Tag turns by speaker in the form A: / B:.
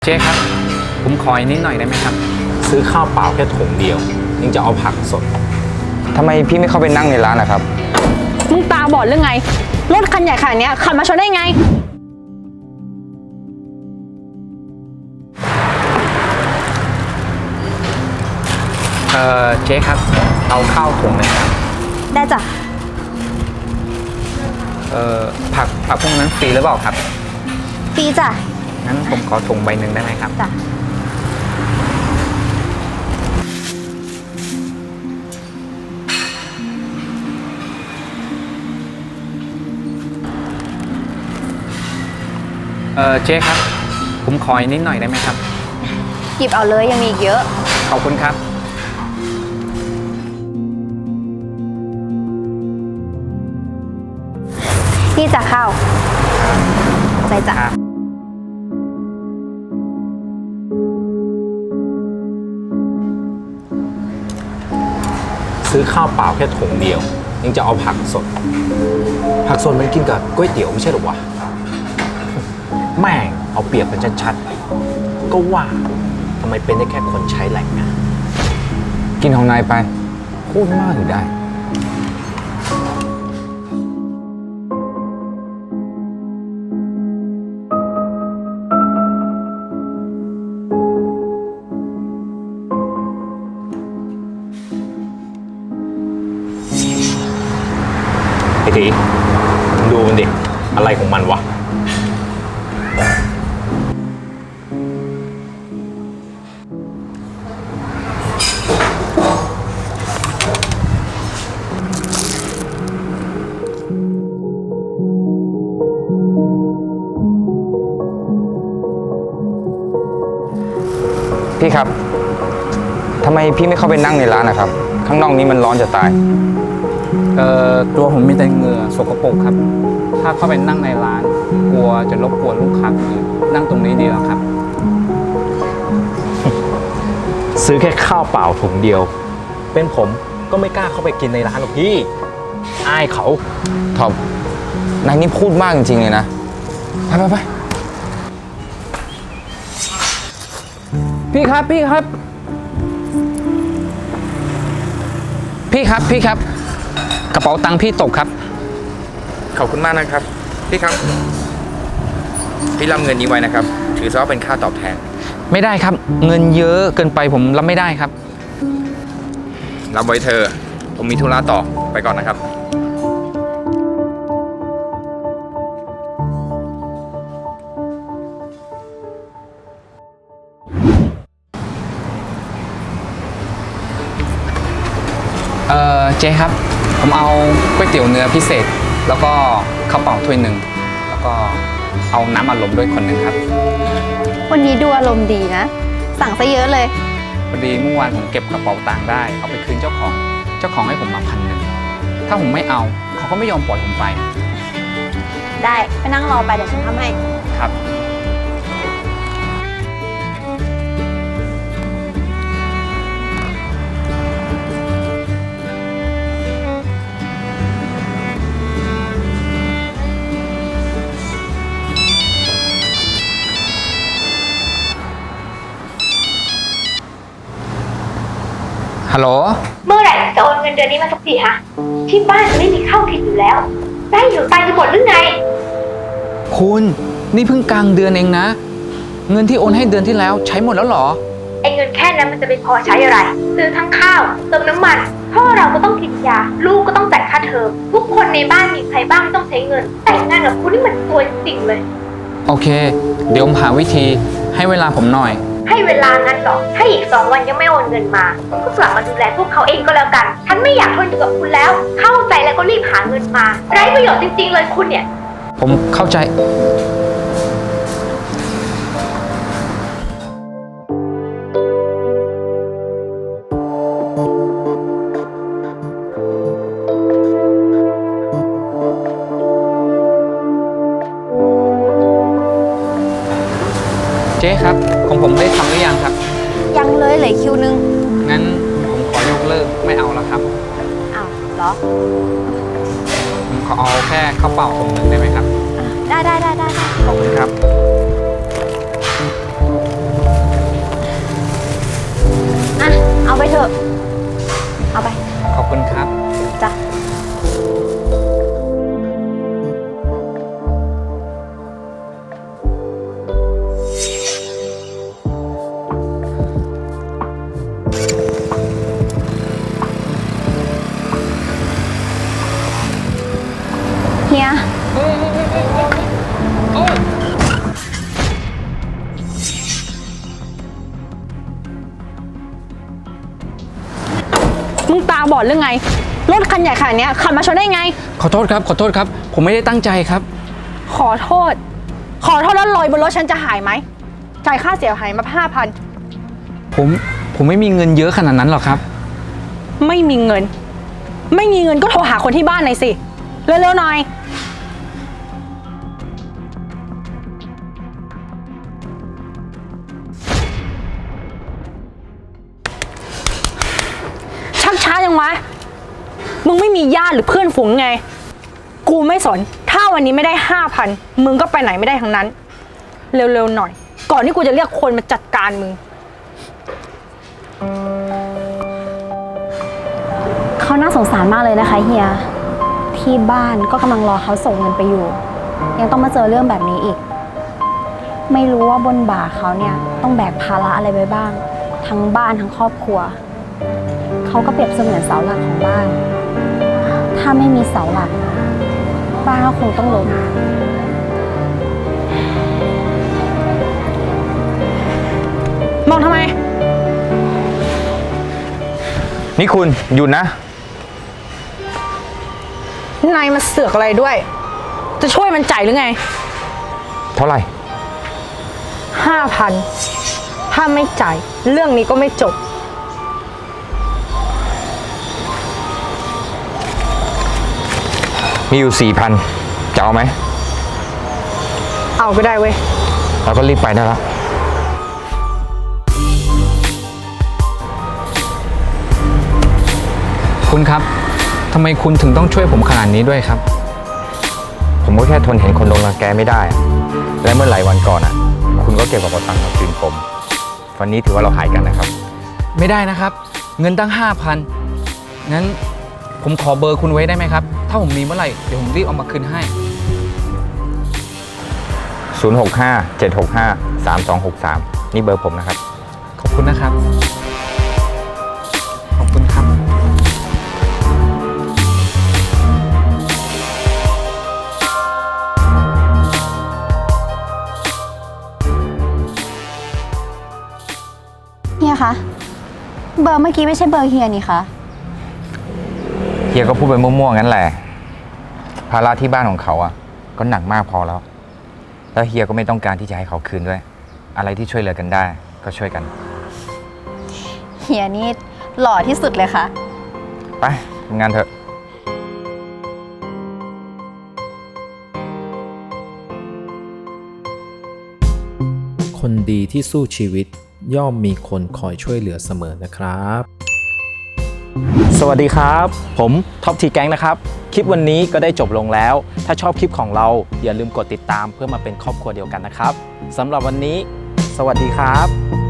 A: เจ๊ครับผมขออีกนิดหน่อยได้ไหมครับ
B: ซื้อข้าวเปล่าแค่ถุงเดียวยังจะเอาผักสด
C: ทำไมพี่ไม่เข้าไปนั่งในร้านนะครับ
D: มึงตาบอดหรือไงรถคันใหญ่ขนาดนี้ขับมาชนได้ไง
A: เจ๊ครับเอาข้าวถุงหนึงครับ
D: ได้จ้ะ
A: ผักพวกนั้นฟรีหรือเปล่าครับ
D: ฟรีจ้ะ
A: งั้นผมขอถุงใบหนึ่งได้ไหมครับ
D: จ้ะ
A: เจ๊ครับผมขออีกนิดหน่อยได้ไหมครับ
D: หยิบเอาเลยยังมีอีกเยอะ
A: ขอบคุณครับ
D: นี่จ้ะข้าวใจจ้ะ
B: ซื้อข้าวเปล่าแค่ถุงเดียวยังจะเอาผักสดมันกินกับก๋วยเตี๋ยวไม่ใช่หรอวะแม่งเอาเปรียบกันชัดๆก็ว่าทำไมเป็นได้แค่คนใช้แหล่งงาน
C: กินของนายไปพูดมากอยู่ได้
B: ไอ้ตีดูมันดิอะไรของมันวะ
C: พี่ครับทำไมพี่ไม่เข้าไปนั่งในร้านนะครับข้างนอกนี้มันร้อนจะตาย
A: ตัวผมมีแต่เหงื่อสกปรกครับถ้าเข้าไปนั่งในร้านกลัวจะรบกวนลูกค้าคนอื่นนั่งตรงนี้ดีแล้วครับ
B: ซื้อแค่ข้าวเปล่าถุงเดียวเป็นผมก็ไม่กล้าเข้าไปกินในร้านหรอกพี่อายเขา
C: ทอมนายนี่พูดมากจริงๆเลยนะไป
A: พี่ครับพี่ครับกระเป๋าตังค์พี่ตกครับ
C: ขอบคุณมากนะครับพี่ครับพี่รับเงินนี้ไว้นะครับถือซะว่าเป็นค่าตอบแทน
A: ไม่ได้ครับเงินเยอะเกินไปผมรับไม่ได้ครับ
C: รับไว้เธอผมมีธุระต่อไปก่อนนะครับ
A: เจ๊ครับผมเอาก๋วยเตี๋ยวเนื้อพิเศษแล้วก็ข้าวเปล่าถ้วยหนึ่งแล้วก็เอาน้ำอัดลมด้วยคนหนึ่งครับ
D: วันนี้ดูอารมณ์ดีนะสั่งซะเยอะเลย
A: พอดีเมื่อวานผมเก็บกระเป๋าตังค์ได้เอาไปคืนเจ้าของให้ผมมา1,000ถ้าผมไม่เอาเขาก็ไม่ยอมปล่อยผมไป
D: ได้ไปนั่งรอไปเดี๋ยวฉันทำให้
A: ครับฮัลโหล
E: เมื่อไหร่จะโอนเงินเดือนนี้มาสักทีฮะที่บ้านจะไม่มีข้าวกินอยู่แล้วได้อยู่ตายจะหมดหรือไง
A: คุณนี่เพิ่งกลางเดือนเองนะเงินที่โอนให้เดือนที่แล้วใช้หมดแล้วเหรอ
E: ไอ้เงินแค่นั้นมันจะไปพอใช้อะไรซื้อทั้งข้าวเติมน้ำมันพ่อเราก็ต้องกินยาลูกก็ต้องจ่ายค่าเทอมทุกคนในบ้านมีใครบ้างต้องใช้เงินแต่งงานกับคุณนี่มันตัวจริงเลย
A: โอเคเดี๋ยวผมหาวิธีให้เวลาผมหน่อย
E: ให้เวลางั้นหรอถ้าอีก2 วันยังไม่โอนเงินมาก็กลับมาดูแลพวกเขาเองก็แล้วกันฉันไม่อยากทนอยู่กับคุณแล้วเข้าใจแล้วก็รีบหาเงินมาไร้ประโยชน์จริงๆเลยคุณเนี่ย
A: ผมเข้าใจเจ๊ครับของผมได้ทำหรือยังครับ
D: ยังเลยเหลือคิวนึง
A: งั้นผมขอยกเลิกไม่เอาแล้วครับ
D: อ้าวเหรอ
A: ผมขอเอาแค่ข้าวเปล่าถุงหนึ่งได้ไหมครับ
D: ได้
A: ขอบคุณครับ
D: บอดหรือไง รถคันใหญ่ขนาดเนี้ยขับมาชนได้ไง
A: ขอโทษครับ ขอโทษครับ ผมไม่ได้ตั้งใจครับ
D: ขอโทษแล้วรอยบนรถฉันจะหายไหมจ่ายค่าเสียหายมา5,000
A: ผมไม่มีเงินเยอะขนาดนั้นหรอกครับ
D: ไม่มีเงินก็โทรหาคนที่บ้านหน่อยสิเร็วๆหน่อยชักช้ายังวะมึงไม่มีญาติหรือเพื่อนฝูงไงกูไม่สนถ้าวันนี้ไม่ได้5,000มึงก็ไปไหนไม่ได้ทั้งนั้นเร็วๆหน่อยก่อนที่กูจะเรียกคนมาจัดการมึง
F: เขาน่าสงสารมากเลยนะคะเฮีย ที่บ้านก็กำลังรอเขาส่งเงินไปอยู่ ยังต้องมาเจอเรื่องแบบนี้อีก ไม่รู้ว่าบนบ่าเขาเนี่ยต้องแบกภาระอะไรไว้บ้าง ทั้งบ้านทั้งครอบครัว เขาก็เปรียบเสมือนเสาหลักของบ้าน ถ้าไม่มีเสาหลัก บ้านก็คงต้องล้ม
D: มองทำไม
B: นี่คุณหยุดนะ
D: นายมาเสือกอะไรด้วย จะช่วยมันจ่ายหรือไง
B: เท่าไหร่
D: 5,000ถ้าไม่จ่ายเรื่องนี้ก็ไม่จบ
B: มีอยู่ 4,000 จะเอาไหม
D: เอาก็ได้เว้ย
B: เราก็รีบไปได้แล้ว
A: คุณครับทำไมคุณถึงต้องช่วยผมขนาดนี้ด้วยครับ
B: ผมก็แค่ทนเห็นคนโดนรังแกไม่ได้อะและเมื่อหลายวันก่อนคุณก็เก็บกระเป๋าตังค์มาคืนผม วันนี้ถือว่าเราหายกันนะครับ
A: ไม่ได้นะครับ เงินตั้ง 5,000งั้นผมขอเบอร์คุณไว้ได้ไหมครับ ถ้าผมมีเมื่อไหร่เดี๋ยวผมรีบเอามาคืนให้
B: 065-765-3263 นี่เบอร์ผมนะครับ
A: ขอบคุณนะครับ ขอบคุณครับ
F: เฮียคะ เบอร์เมื่อกี้ไม่ใช่เบอร์เฮียนี่คะ
B: เฮียก็พูดไปมั่วๆงั้นแหละ ภาระที่บ้านของเขาก็หนักมากพอแล้ว แล้วเฮียก็ไม่ต้องการที่จะให้เขาคืนด้วย อะไรที่ช่วยเหลือกันได้ก็ช่วยกัน
F: เฮียนี่หล่อที่สุดเลยค่ะ
B: ไปทำงานเถอะ
G: คนดีที่สู้ชีวิตย่อมมีคนคอยช่วยเหลือเสมอนะครับ
H: สวัสดีครับ ผมท็อปทีแก๊งนะครับ คลิปวันนี้ก็ได้จบลงแล้ว ถ้าชอบคลิปของเราอย่าลืมกดติดตามเพื่อมาเป็นครอบครัวเดียวกันนะครับสำหรับวันนี้ สวัสดีครับ